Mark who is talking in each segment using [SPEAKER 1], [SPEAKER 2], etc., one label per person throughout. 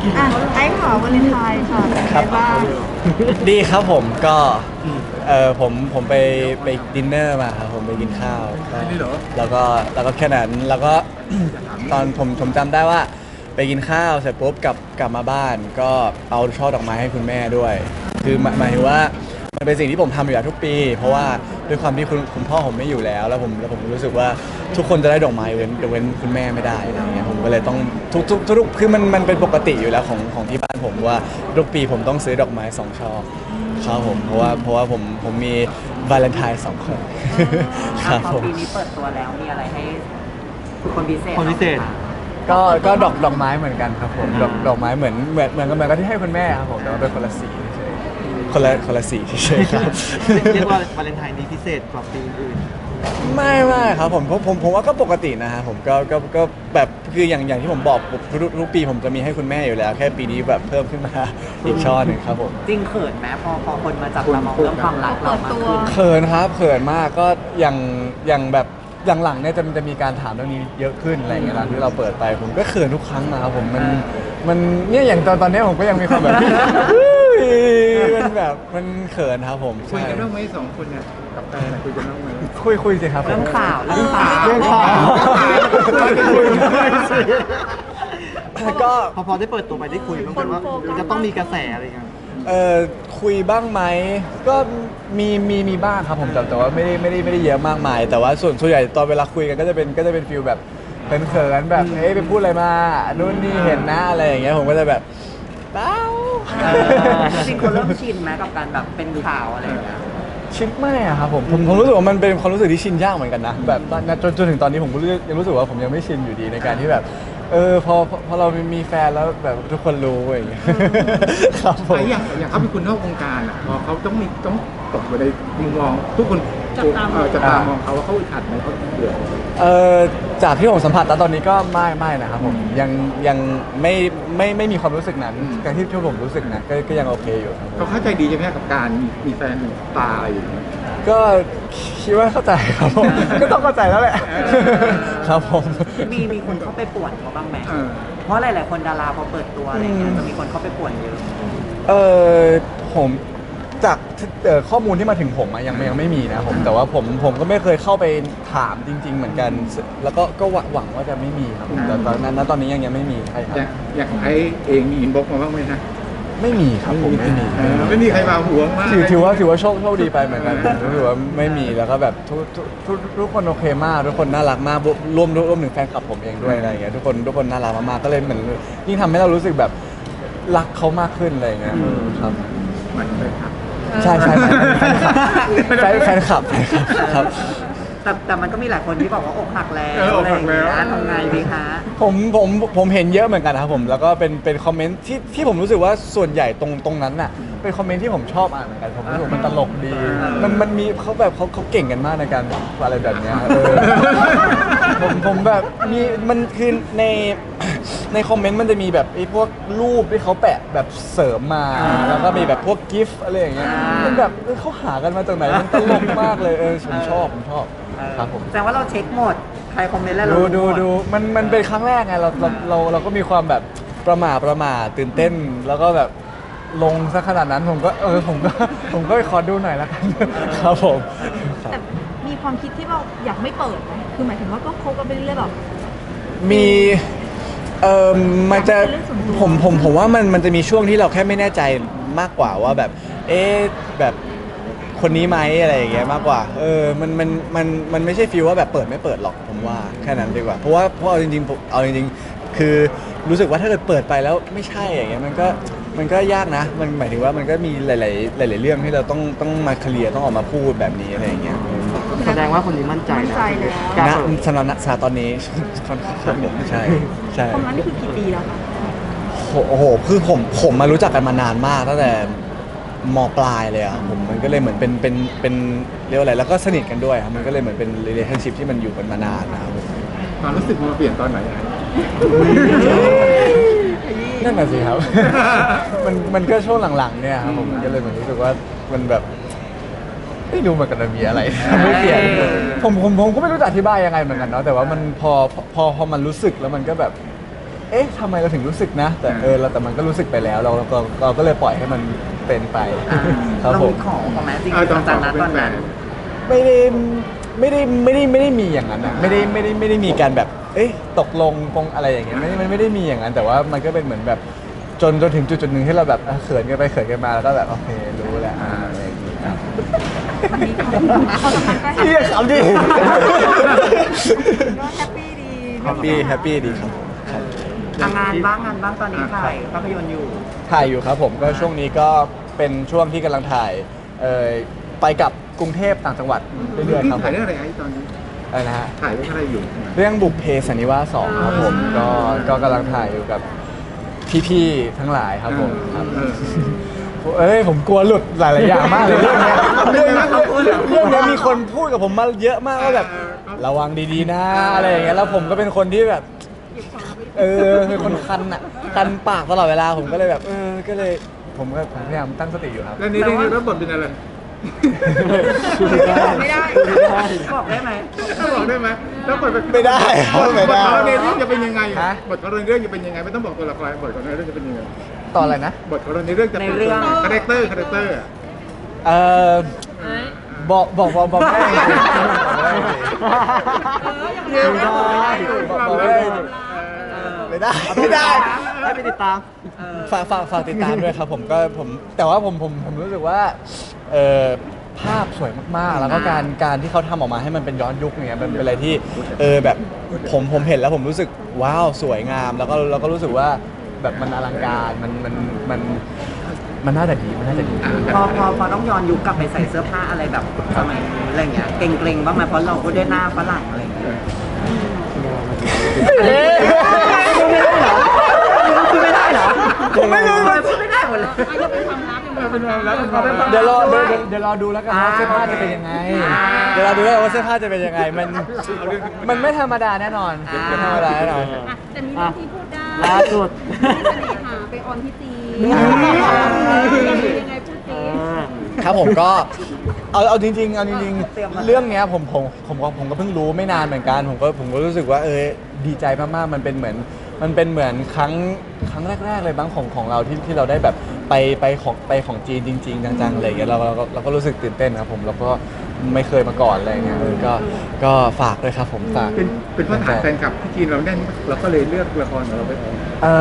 [SPEAKER 1] อ่ะไอ้ข่าววาเลนไทน์ค่ะเป็นไงบ้าง
[SPEAKER 2] ดีครับผมก็ผมไปดินเนอร์มาครับผมไปกินข้าวแล้วก็แค่นั้นแล้วก็ ตอนผมจำได้ว่าไปกินข้าวเสร็จปุ๊บกลับมาบ้านก็เอาช่อดอกไม้ให้คุณแม่ด้วยคือหมายถึงว่ามันเป็นสิ่งที่ผมทำอยู่แล้วทุกปี เพราะว่าด้วยความที่คุณพ่อผมไม่อยู่แล้วผมรู้สึกว่าทุกคนจะได้ดอกไม้เว้นคุณแม่ไม่ได้อะไรเงี้ยผมก็เลยต้องทุกคือมันเป็นปกติอยู่แล้วของที่บ้านผมว่าทุกปีผมต้องซื้อดอกไม้2 ช่อครับผมเพราะว่าผมมีวาเลนไทน์2 คนครับผม
[SPEAKER 3] ปีนี้เปิดตัวแล้วมีอะไรให้คนพิเศษ
[SPEAKER 4] คนพิเศษ
[SPEAKER 2] ก็ดอกไม้เหมือนกันครับผมดอกไม้เหมือนกับที่ให้คุณแม่ครับผมแต่ว่าเป็นคนละสีเฉยๆคนละสีเฉยๆครับ
[SPEAKER 4] เรียกว่าวาเลนไทน์นี้พิเศษกว่าปีอื่น
[SPEAKER 2] ไม่ครับผมว่าก็ปกตินะฮะผมก็แบบคืออย่างที่ผมบอกทุกปีผมจะมีให้คุณแม่อยู่แล้ว แค่ปีนี้แบบเพิ่มขึ้นมาอีกช่อหนึ่งครับผม
[SPEAKER 3] จริงเขินไหมพอคนมาจับตามองเรื่องความรักเรามากขึ้น
[SPEAKER 2] เขินครับเขินมากก็อย่างแบบหลังๆเนี่ยจะมีการถามเรื่องนี้เยอะขึ้นอะไรอย่างเงี้ยที่เราเปิดไปผมก็เขินทุกครั้งนะครับผมมันเนี่ยอย่างตอนนี้ผมก็ยังมีความแบบ มันแบบมันเขินครับผม
[SPEAKER 5] คุยกันบ้างไหม2 คนเนี่ยกับแฟนคุยกันบ้างไหม
[SPEAKER 2] คุยสิครับผม
[SPEAKER 3] เรื่องข่าว
[SPEAKER 2] เรื่องข่าวก็
[SPEAKER 4] พอได้เปิดตัวไปได้คุยบ้างไหมว่ามันจะต้องมีกระแสอะไรเงี้ย
[SPEAKER 2] คุยบ้างไหมก็มีบ้างครับผมแต่ว่าไม่ได้เยอะมากมาย แต่ว่าส่วนใหญ่ตอนเวลาคุยกันก็จะเป็นฟีลแบบเขินๆแบบเฮ้ยไปพูดอะไรมานู่นนี่เห็นนะอะไรอย่างเงี้ยผมก็จะแบบเต้า
[SPEAKER 3] จริงคนเริ่มชินไหมกับการแบบเป็นข่าวอะไรอย่างเงี้ย
[SPEAKER 2] ชินไม่อะครับผมรู้สึกว่ามันเป็นความรู้สึกที่ชินยากเหมือนกันนะแบบจนถึงตอนนี้ผมก็ยังรู้สึกว่าผมยังไม่ชินอยู่ดีในการที่แบบพอเรามีแฟนแล้วแบบทุกคนรู้อย่างเงี้ยครับผม
[SPEAKER 5] ไอ้อย่างเขาเป็นคนนอกวงการอ่ะพอเขาต้องตกอยู่ในมุมมองทุกคนจะตามองเขาว่าเขาอึดอัดไหมเขาเดือด
[SPEAKER 2] จากที่ผมสัมผัสตอนนี้ก็ไม่นะครับผมยังไม่มีความรู้สึกนั้นการที่ผมรู้สึกนะก็ยังโอเคอยู่ครับผม
[SPEAKER 5] เขาเข้าใจดีใช่ไหมกับการมีแฟนหนึ่งตาอะไรอย่างเงี้ย
[SPEAKER 2] ก็คิดว่าเข้าใจครับผม ก็ต้องเข้าใจแล้วแหละครับผม
[SPEAKER 3] มีคนเข้าไปป่วนเขาบ้างไหม
[SPEAKER 5] เออ
[SPEAKER 3] เพราะหลายๆคนดาราพอเปิดตัวอะไรเงี้ยจะมีคนเข้าไปป่วนเยอะ
[SPEAKER 2] ผมจากข้อมูลที่มาถึงผมอะยังไม่มีนะผมแต่ว่าผมก็ไม่เคยเข้าไปถามจริง ๆ เหมือนกัน แล้วก็หวังว่าจะไม่มีครับผมแต่ตอนนี้ยังไม่มีใครครับ
[SPEAKER 5] อย่างของไอ้เองมีอินบ็อกซ์มาบ้างไหมฮะ
[SPEAKER 2] ไม่มีครับผมไม่มี
[SPEAKER 5] ไม่มีใครมาหวงมาก
[SPEAKER 2] ถือว่าโชคดีไปเหมือนกันถือว่าไม่มีแล้วก็แบบทุกคนโอเคมากทุกคนน่ารักมากรวมถึงแฟนคลับผมเองด้วยอะไรอย่างเงี้ยทุกคนน่ารักมากๆก็เลยเหมือนยิ่งทำให้เรารู้สึกแบบรักเขามากขึ้นอะไรอย่างเงี้ยครับ
[SPEAKER 5] มันเลยครับ
[SPEAKER 2] ใช่แฟนคลับครับ
[SPEAKER 3] แต่มันก็มีหลายคนที่บอกว่าอกหักแล้ว
[SPEAKER 5] อกหักแล้ว
[SPEAKER 3] อะไรอย่างเงี้ยทำไงดีคะ
[SPEAKER 2] ผมเห็นเยอะเหมือนกันนะครับผมแล้วก็เป็นคอมเมนต์ที่ผมรู้สึกว่าส่วนใหญ่ตรงนั้นน่ะเป็นคอมเมนต์ที่ผมชอบอ่านเหมือนกันผมรู้สึกมันตลกดีมันมีเขาเก่งกันมากในการอะไรแบบเนี้ยผมแบบมีมันคือในคอมเมนต์มันจะมีแบบไอ้พวกรูปที่เขาแปะแบบเสริมมาแล้วก็มีแบบพวกกิฟต์อะไรอย่างเงี้ยมันแบบเขาหากันมาจากไหนมันตลกมากเลยผมชอบครับผม
[SPEAKER 3] แสดงว่าเราเช็คหมด ใครคอมเมนต์แล้วเรา
[SPEAKER 2] ดู
[SPEAKER 3] รู้หม
[SPEAKER 2] มันเป็นครั้งแรกไงเราก็มีความแบบประหม่าตื่นเต้น แล้วก็แบบลงซะขนาดนั้นผมก็ขอดูหน่อยละกันครับผม
[SPEAKER 1] แต่มีความคิดที่เราอยากไม่เปิดไหมคือหมายถึงว่าก็คบกันไปเรื่อยๆแบบ
[SPEAKER 2] มีมันจะ
[SPEAKER 1] เป็นเรื่องส่วนตัว
[SPEAKER 2] ผมว่ามันจะมีช่วงที่เราแค่ไม่แน่ใจมากกว่าว่าแบบแบบคนนี้ไหมอะไรอย่างเงี้ยมากกว่ามันไม่ใช่ฟีลว่าแบบเปิดไม่เปิดหรอกผมว่าแค่นั้นดีกว่าเพราะเอาจริงๆคือรู้สึกว่าถ้าเกิดเปิดไปแล้วไม่ใช่อย่างเงี้ยมันก็ยากนะมันหมายถึงว่ามันก็มีหลายเรื่องที่เราต้องมาเคลียร์ต้องออกมาพูดแบบนี้อะไรอย่างเงี้ย
[SPEAKER 4] แสดงว่าคนนี้มั่นใจ
[SPEAKER 1] มั่นใจแล้ว
[SPEAKER 4] กล้า
[SPEAKER 2] ณ
[SPEAKER 4] เปิด
[SPEAKER 2] สำหรับณตอนนี้ ค่อนข้างผมใช่
[SPEAKER 1] ความรักนี่คือกี่ปีแล้วคะ
[SPEAKER 2] โอ้โหคือผมมารู้จักกันมานานมากตั้งแต่มปลายเลยอ่ะผมมันก็เลยเหมือนเป็นเรียกว่าอะไรแล้วก็สนิทกันด้วยครับมันก็เลยเหมือนเป็น relationship ที่มันอยู่กันมานานนะครับผม
[SPEAKER 5] ความรู้สึกมันเปลี่ยนตอนไหนอะ
[SPEAKER 2] นั่นน่ะสิครับ มันก็ช่วงหลังๆเนี่ยครับผมก็เลยเหมือนรู้สึกว่ามันแบบไม่รู้เหมือนกันว่ามีอะไร ไม่เปลี่ยนผมก็ไม่รู้จะอธิบายยังไงเหมือนกันเนาะแต่ว่ามันพอมันรู้สึกแล้วมันก็แบบเอ๊ะทำไมเราถึงรู้สึกนะแต่แต่มันก็รู้สึกไปแล้วเราก็เลยปล่อยให้มันเป็นไปครับ
[SPEAKER 3] เรา
[SPEAKER 2] ผ
[SPEAKER 3] มี
[SPEAKER 2] ม
[SPEAKER 3] ของของแม่จริงๆจากนั้นตอนนั้น
[SPEAKER 2] ไม่ได้มีอย่างนั้นอะไม่ได้มีการแบบเอ๊ะตกลงปงอะไรอย่างเงี้ยไม่ได้มีอย่างนั้นแต่ว่ามันก็เป็นเหมือนแบบจนถึงจุดหนึ่งที่เราแบบเขินกันไปเขินกันมาแล้วก็แบบโอเครู้แล้วอะไรอย่างเงี้ยครับ
[SPEAKER 1] มันมีความสัมพันธ์ก็
[SPEAKER 2] เฮียขำดิ
[SPEAKER 1] ก็แฮปปี้ดี
[SPEAKER 2] แฮปปี้ดีครับผมครับ
[SPEAKER 3] งานบ้างตอนนี้ถ่ายภาพยนตร์อยู่
[SPEAKER 2] ถ่ายอยู่ครับผมก็ช่วงนี้ก็เป็นช่วงที่กำลังถ่ายไปกับกรุงเทพต่างจังหวัดเรื่อยๆครับผ
[SPEAKER 5] ถ่าย
[SPEAKER 2] ม
[SPEAKER 5] เรื่องอะไรไอ้ตอนนี้
[SPEAKER 2] อะไรนะฮะ
[SPEAKER 5] ถ่ายเรื่องอะไรอยู่
[SPEAKER 2] เรื่องบุพเพสันนิวาส2ครับผมก็กำลังถ่ายอยู่กับพี่ๆทั้งหลายครับผมครับ ผมกลัวหลุดหลายๆอย่างมากเลยเรื่องเนี้ยเรื่องนี้มีคนพูดกับผมมาเยอะมากว่าแบบระวังดีๆนะอะไรอย่างเงี้ยแล้วผมก็เป็นคนที่แบบเป็นคนคันปากตลอดเวลาผมก็เลยแบบก็เลยผมพยายามตั้งสติอยู่ครับ
[SPEAKER 5] แล้วนี่รับบทเป็นอะไร
[SPEAKER 1] ไม่ได้
[SPEAKER 3] บอกได้ไหม
[SPEAKER 5] ต้องบอกได้ไหมแล้วบทเป็น
[SPEAKER 2] ไม่ได้ครับไม่ได้
[SPEAKER 5] บทของเราในเรื่องจะเป็นยังไง
[SPEAKER 2] ฮะ
[SPEAKER 5] บทของเราในเรื่องจะเป็นยังไงไม่ต้องบอกตัวละครบทของเราในเรื่องจะเป็นยังไง
[SPEAKER 2] ตอนอะไรนะ
[SPEAKER 5] บทของเราในเรื่องจะเป็นคาแรคเตอร์อะ
[SPEAKER 2] บอกไม่ได้จริงๆบอกไม่ได้จริงๆไม่ได้
[SPEAKER 4] ให้ไปติดตาม
[SPEAKER 2] ฝากติดตามด้วยครับผมแต่ว่าผมรู้สึกว่าภาพสวยมากๆ แล้วก็การที่เขาทำออกมาให้มันเป็นย้อนยุคอย่างเงี้ยมันเป็นอะไรที่แบบผมเห็นแล้วผมรู้สึกว้าวสวยงามแล้วก็รู้สึกว่าแบบมันอลังการมันน่าจะดี
[SPEAKER 3] พอต้องย้อนยุคกลับไปใส่เสื้อผ้าอะไรแบบสมัยนี้อะไรเงี้ยเกรงๆบ้างไหมเพราะเราก็ได้หน้าฝรั่งอะไรเงี้ยพูดไม่ได้เหรอ
[SPEAKER 2] ผมไม่รู้
[SPEAKER 3] พูดไม่ได้หมดเลย
[SPEAKER 5] เป็นความลับ
[SPEAKER 2] เดี๋ยวรอดูแล้วกันว่าเสื้อผ้าจะเป็นยังไงเดี๋ยวเราดูแล้วกันว่าเสื้อผ้าจะเป็นยังไงมันไม่ธรรมดาแน่นอนไม่ธรรมดาแน่นอน
[SPEAKER 1] แต่มีเรื่องที่พูดได้
[SPEAKER 4] ล่าสุด
[SPEAKER 1] ที่เสน่หาไปออนที่จีนยังไงพูดจีน
[SPEAKER 2] ครับผมก็เอาจริงๆเรื่องเนี้ยผมก็เพิ่งรู้ไม่นานเหมือนกันผมก็รู้สึกว่าดีใจมากๆมันเป็นเหมือนครั้งแรกๆเลยบ้างของเราที่เราได้แบบไปของจีนจริงๆจังๆอะไรอย่างเงี้ยเราก็รู้สึกตื่นเต้นครับผมแล้วก็ไม่เคยมาก่อนอะไรอย่างเงี้ยก็ฝากด้วยครับผมฝาก
[SPEAKER 5] เป็นเพราะฐานแฟนคลับที่จีนเราแน่นเราก็เลยเลือกละครของเราไปออก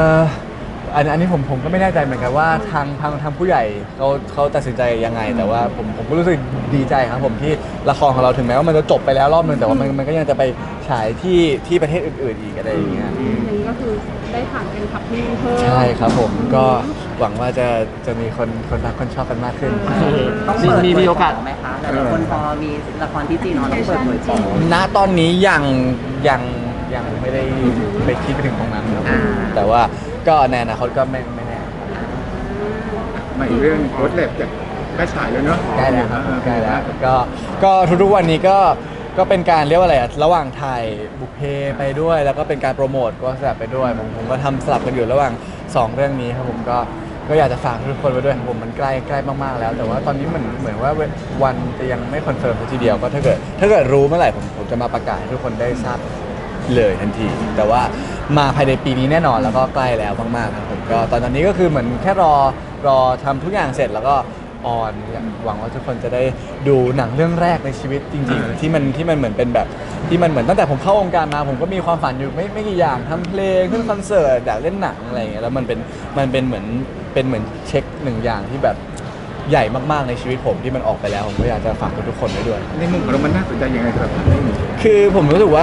[SPEAKER 2] อันนี้ผมก็ไม่แน่ใจเหมือนกันว่าทางผู้ใหญ่เขาตัดสินใจยังไงแต่ว่าผมก็รู้สึกดีใจครับผมที่ละครของเราถึงแม้ว่ามันจะจบไปแล้วรอบนึงแต่ว่ามันก็ยังจะไปฉายที่ประเทศอื่นๆอีกอะไรอย่างเงี้ย
[SPEAKER 1] อย่างนี้ก็คือได้ผ่านเป็นขับที่เพิ่ม
[SPEAKER 2] ใช่ครับผมก็หวังว่าจะมีคนรักคนชอบกันมากขึ้น
[SPEAKER 3] ต้องเปิด
[SPEAKER 4] มีโอกาส
[SPEAKER 3] ไหมคะแต่ละคนพอมีละครที่จีนเนาะต้องเปิดเผยของ
[SPEAKER 2] ณตอนนี้ยังไม่ได้ไปคิดไปถึงตรงนั้นครับแต่ว่าก็ในอนาคตก็ไม่แน่
[SPEAKER 5] มาอีกเรื่องโค้ดแลบจากใกล้ฉายแล้วเนาะ
[SPEAKER 2] ใกล้แล้วครับใกล้แล้วก็ทุกๆวันนี้ก็เป็นการเรียกว่าอะไรอะระหว่างถ่ายบุพเพไปด้วย แล้วก็เป็นการโปรโมทก็สลับไปด้วยผมก็ทำสลับกันอยู่ระหว่าง2เรื่องนี้ครับผมก็อยากจะฝากทุกคนไว้ด้วยครับผมมันใกล้มากๆแล้ว แต่ว่าตอนนี้เหมือนว่าวันจะยังไม่คอนเฟิร์มทีเดียวก็ถ้าเกิดรู้เมื่อไหร่ผมจะมาประกาศให้ทุกคนได้ทราบเลยทันที แต่ว่ามาภายในปีนี้แน่นอนแล้วก็ใกล้แล้วมากๆครับผมก็ตอนนี้ก็คือเหมือนแค่รอทำทุกอย่างเสร็จแล้วก็ออนหวังว่าทุกคนจะได้ดูหนังเรื่องแรกในชีวิตจริงๆที่มันเหมือนเป็นแบบที่มันเหมือนตั้งแต่ผมเข้าวงการมาผมก็มีความฝันอยู่ไม่กี่อย่างทำเพลงขึ้นคอนเสิร์ตอยากเล่นหนังอะไรอย่างเงี้ยแล้วมันเป็นเหมือนเช็คหนึ่งอย่างที่แบบใหญ่มากๆในชีวิตผมที่มันออกไปแล้วผมก็อยากจะฝากทุกคนไว้ด้วย
[SPEAKER 5] ในมุมของเรามันน่าสนใจยังไงสำหรับเรื่องนี้
[SPEAKER 2] คือผมรู้สึกว่า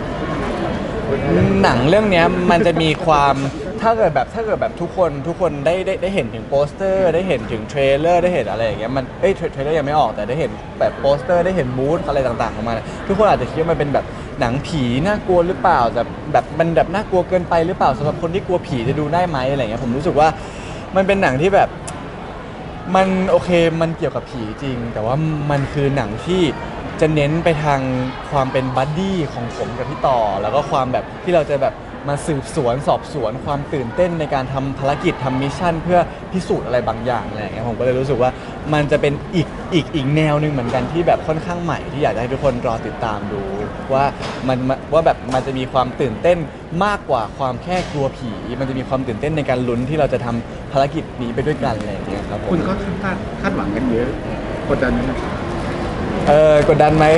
[SPEAKER 2] หนังเรื่องเนี้ยมันจะมีความถ้าเกิดแบบทุกคนได้เห็นถึงโปสเตอร์ได้เห็นถึงเทรลเลอร์ได้เห็นอะไรอย่างเงี้ยมันเทรลเลอร์ยังไม่ออกแต่ได้เห็นแบบโปสเตอร์ได้เห็นมูดอะไรต่างๆของมันทุกคนอาจจะคิดว่ามันเป็นแบบหนังผีน่ากลัวหรือเปล่าแต่แบบมันแบบน่ากลัวเกินไปหรือเปล่าสำหรับคนที่กลัวผีจะดูได้ไหมอะไรเงี้ยผมรู้สึกว่ามันเป็นหนังที่แบบมันโอเคมันเกี่ยวกับผีจริงแต่ว่ามันคือหนังที่จะเน้นไปทางความเป็นบัดดี้ของผมกับพี่ต่อแล้วก็ความแบบที่เราจะแบบมาสืบสวนสอบสวนความตื่นเต้นในการทำภารกิจทำมิชชั่นเพื่อพิสูจน์อะไรบางอย่างอะไรอย่างเงี้ยผมก็เลยรู้สึกว่ามันจะเป็นอีกแนวหนึ่งเหมือนกันที่แบบค่อนข้างใหม่ที่อยากจะให้ทุกคนรอติดตามดูว่าว่าแบบมันจะมีความตื่นเต้นมากกว่าความแค่กลัวผีมันจะมีความตื่นเต้นในการลุ้นที่เราจะทำภารกิจนี้ไปด้วยกันอะไรอย่างเงี้ยครับผม
[SPEAKER 5] คุณก็คาดหวังกันเยอะกดดันไหม
[SPEAKER 2] กดดันไหม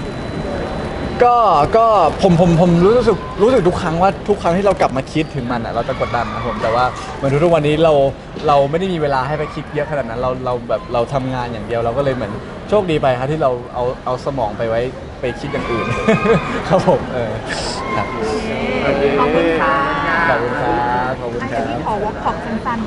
[SPEAKER 2] ก็ผมรู้สึกทุกครั้งว่าทุกครั้งที่เรากลับมาคิดถึงมันอ่ะเราจะกดดันนะผมแต่ว่าเหมือนทุกวันนี้เราไม่ได้มีเวลาให้ไปคิดเยอะขนาดนั้นเราแบบเราทำงานอย่างเดียวเราก็เลยเหมือนโชคดีไปครับที่เราเอาสมองไปไว้ไปคิดอย่างอื่น ครับผมครับ
[SPEAKER 1] ขอบคุณค่ะ
[SPEAKER 2] ขอบคุณครับขอบคุณ
[SPEAKER 1] อัน
[SPEAKER 2] ครั
[SPEAKER 1] นี้
[SPEAKER 2] บ
[SPEAKER 1] ขอวอล์กขอบสั้นๆ